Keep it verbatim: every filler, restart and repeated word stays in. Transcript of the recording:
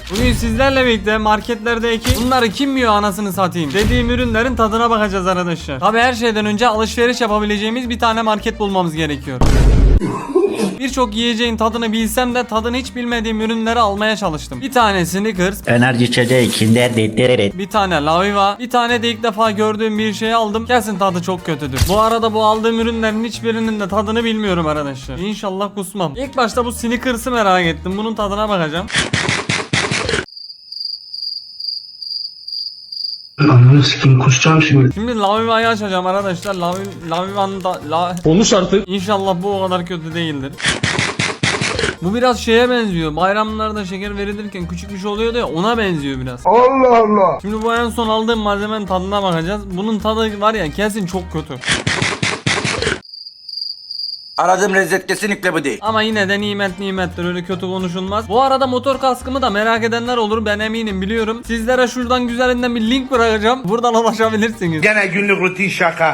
Bugün sizlerle birlikte marketlerdeki bunları kim yiyor anasını satayım dediğim ürünlerin tadına bakacağız arkadaşlar. Tabi her şeyden önce alışveriş yapabileceğimiz bir tane market bulmamız gerekiyor. Birçok yiyeceğin tadını bilsem de tadını hiç bilmediğim ürünleri almaya çalıştım. Bir tane Snickers, Enerji içeceği Kinder Dederet. bir tane Laviva, bir tane de ilk defa gördüğüm bir şeyi aldım. Kesin tadı çok kötüdür. Bu arada bu aldığım ürünlerin hiçbirinin de tadını bilmiyorum arkadaşlar. İnşallah kusmam. İlk başta bu Snickers'ı merak ettim. Bunun tadına bakacağım. Ananı sikeyim, kusacağım şimdi. Şimdi Laviva'yı açacağım arkadaşlar. Lavi, Laviva'nın da la... Konuş artık. İnşallah bu o kadar kötü değildir. Bu biraz şeye benziyor. Bayramlarda şeker verilirken küçük bir şey oluyordu ya, ona benziyor biraz. Allah Allah. Şimdi bu en son aldığım malzemenin tadına bakacağız. Bunun tadı var ya kesin çok kötü. Aradığım lezzet kesinlikle bu değil. Ama yine de nimet nimettir, öyle kötü konuşulmaz. Bu arada motor kaskımı da merak edenler olur, ben eminim biliyorum. Sizlere şuradan güzelinden bir link bırakacağım. Buradan ulaşabilirsiniz. Gene günlük rutin şaka.